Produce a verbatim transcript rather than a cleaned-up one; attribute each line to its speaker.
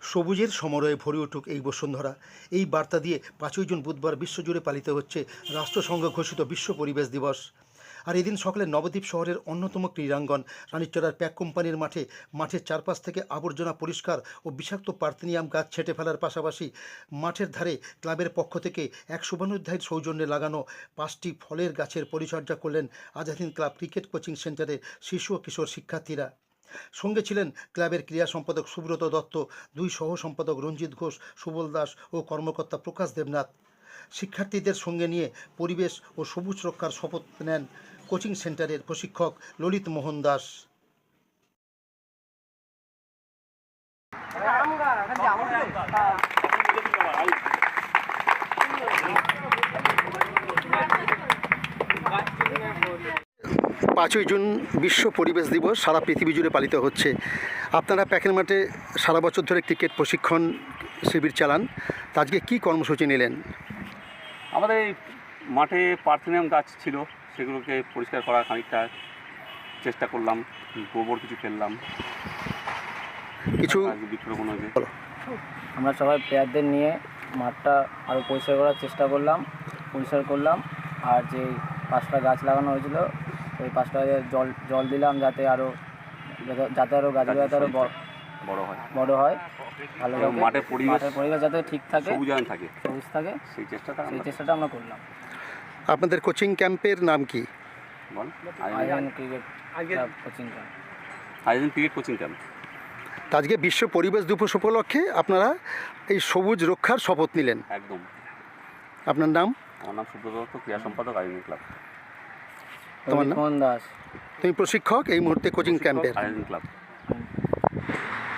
Speaker 1: সবুজের সমরয়ে ভরে উঠুক এই বসুন্ধরা, এই বার্তা দিয়ে পাঁচই জুন বুধবার বিশ্বজুড়ে পালিত হচ্ছে রাষ্ট্রসংঘ ঘোষিত বিশ্ব পরিবেশ দিবস। আর এদিন সকালে নবদ্বীপ শহরের অন্যতম ক্রীড়াঙ্গন রানীচড়ার প্যাক কোম্পানির মাঠে মাঠের চারপাশ থেকে আবর্জনা পরিষ্কার ও বিষাক্ত পার্থেনিয়াম গাছ ছেঁটে ফেলার পাশাপাশি মাঠের ধারে ক্লাবের পক্ষ থেকে এক শুভানুধ্যায়ীর সৌজন্যে লাগানো পাঁচটি ফলের গাছের পরিচর্যা করলেন আজাদিন ক্লাব ক্রিকেট কোচিং সেন্টারের শিশু ও কিশোর শিক্ষার্থীরা। সঙ্গে ছিলেন ক্লাবের ক্রীড়া সম্পাদক সুব্রত দত্ত, দুই সহ সম্পাদক রঞ্জিত ঘোষ, সুবল দাস ও কর্মকর্তা প্রকাশ দেবনাথ। শিক্ষার্থীদের সঙ্গে নিয়ে পরিবেশ ও সবুজ রক্ষার শপথ নেন কোচিং সেন্টারের প্রশিক্ষক ললিত মোহন দাস। পাঁচই জুন বিশ্ব পরিবেশ দিবস সারা পৃথিবী জুড়ে পালিত হচ্ছে। আপনারা প্যাকের মাঠে সারা বছর ধরে ক্রিকেট প্রশিক্ষণ শিবির চালান, তা আজকে কী কর্মসূচি নিলেন?
Speaker 2: আমাদের এই মাঠে পার্থেনিয়াম গাছ ছিল, সেগুলোকে পরিষ্কার করার খানিকটা চেষ্টা করলাম, গোবর কিছু ফেললাম,
Speaker 1: কিছু
Speaker 2: বৃক্ষরোপণ হয়েছে।
Speaker 3: আমরা সবাই প্লেয়ারদের নিয়ে মাঠটা আরও পরিষ্কার করার চেষ্টা করলাম, পরিষ্কার করলাম। আর যে পাঁচটা গাছ লাগানো হয়েছিল ওই পাঁচটা জল জল দিলাম যাতে আরও যাতে আরও গাছগুলো যাতে আরও
Speaker 2: বড় হয়
Speaker 3: বড় হয় ভালো
Speaker 2: মাঠের পরিবেশ
Speaker 3: মাঠের পরিবেশ যাতে ঠিক থাকে,
Speaker 2: সবুজায়ন থাকে
Speaker 3: সবুজ থাকে,
Speaker 2: সেই চেষ্টাটা
Speaker 3: সেই চেষ্টাটা আমরা করলাম।
Speaker 1: আপনাদের কোচিং ক্যাম্পের নাম কি?
Speaker 2: বল
Speaker 3: Azadin cricket coaching camp.
Speaker 2: Azadin cricket coaching camp.
Speaker 1: তা আজকে বিশ্ব পরিবেশ দিবস উপলক্ষে আপনারা এই সবুজ রক্ষার শপথ নিলেন।
Speaker 2: একদম।
Speaker 1: আপনার নাম?
Speaker 2: আমার নাম সুব্রত দত্ত, ক্রীড়া সম্পাদক আজাদিন ক্লাব।
Speaker 1: তোমার নাম?
Speaker 3: মোহন দাস।
Speaker 1: তুমি প্রশিক্ষক এই মুহূর্তে কোচিং ক্যাম্পের।
Speaker 2: আজাদিন ক্লাব।